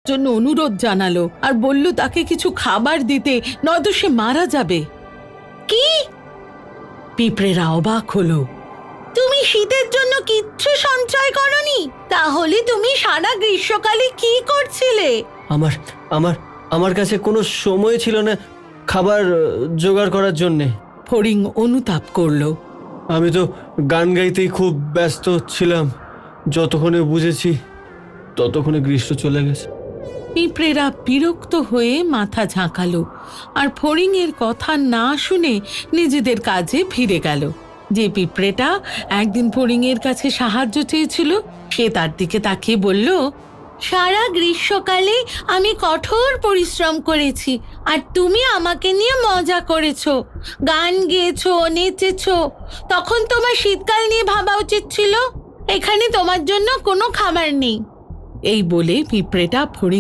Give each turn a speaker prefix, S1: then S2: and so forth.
S1: জন্য অনুরোধ জানালো আর বলল তাকে কিছু খাবার দিতে, নয়তো সে মারা যাবে। কি? পিঁপড়েরা অবাক হলো। তুমি শীতের জন্য কিচ্ছু সঞ্চয় করনি? তাহলে তুমি সারা গ্রীষ্মকালে কি করছিলে?
S2: আমার আমার আমার কাছে কোনো সময় ছিল না খাবার জোগাড় করার জন্যে।
S1: ফড়িং অনুতাপ করলো।
S2: আমি তো গান গাইতেই খুব ব্যস্ত ছিলাম। যতক্ষণে বুঝেছি ততক্ষণে গ্রীষ্ম চলে গেছে।
S1: পিঁপড়েরা বিরক্ত হয়ে মাথা ঝাঁকালো আর ফড়িংয়ের কথা না শুনে নিজেদের কাজে ফিরে গেল। যে পিঁপড়েটা একদিন ফড়িংয়ের কাছে সাহায্য চেয়েছিল, সে তার দিকে তাকিয়ে বলল, সারা গ্রীষ্মকালে আমি কঠোর পরিশ্রম করেছি আর তুমি আমাকে নিয়ে মজা করেছো, গান গেয়েছো, নেচেছো। তখন তোমার শীতকাল নিয়ে ভাবা উচিত ছিল। এখানে তোমার জন্য কোনো খাবার নেই। এই বলে পিঁপড়েটা ফড়িং